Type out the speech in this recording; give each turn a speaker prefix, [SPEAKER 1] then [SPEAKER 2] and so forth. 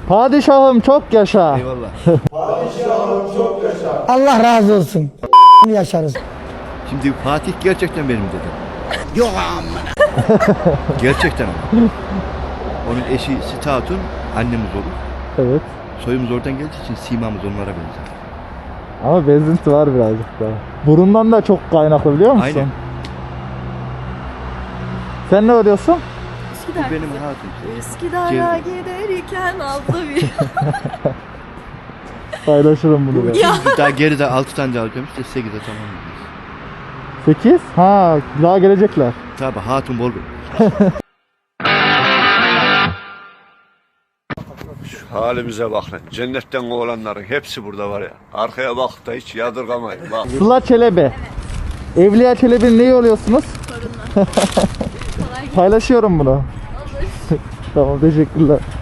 [SPEAKER 1] Padişahım çok yaşa.
[SPEAKER 2] Eyvallah.
[SPEAKER 3] Allah razı olsun. Yaşarız.
[SPEAKER 2] Şimdi Fatih gerçekten benim dedem. Yok amma. Gerçekten ama. Onun eşi Sita Hatun annemiz olur.
[SPEAKER 1] Evet.
[SPEAKER 2] Soyumuz oradan geldiği için simamız onlara benzer.
[SPEAKER 1] Ama benzinti var birazcık daha. Burundan da çok kaynaklı biliyor musun?
[SPEAKER 2] Aynen.
[SPEAKER 1] Sen ne arıyorsun?
[SPEAKER 4] Üsküdar.
[SPEAKER 2] Benim hatun.
[SPEAKER 4] Üsküdar'a giderken aldı bir.
[SPEAKER 1] Paylaşırım bunu ben.
[SPEAKER 4] Ya.
[SPEAKER 2] Daha geride 6 tane daha alacağım işte 8'e tamam.
[SPEAKER 1] 8? Ha, daha gelecekler.
[SPEAKER 2] Tabi hatun bol.
[SPEAKER 5] Halimize bak lan. Cennetten oğlanların hepsi burada var ya. Arkaya bak da hiç yadırgamayın. Bak.
[SPEAKER 1] Sıla Çelebi. Evliya Çelebi'nin neyi oluyorsunuz?
[SPEAKER 4] Kolay gelsin.
[SPEAKER 1] Paylaşıyorum bunu. Tamam, teşekkürler.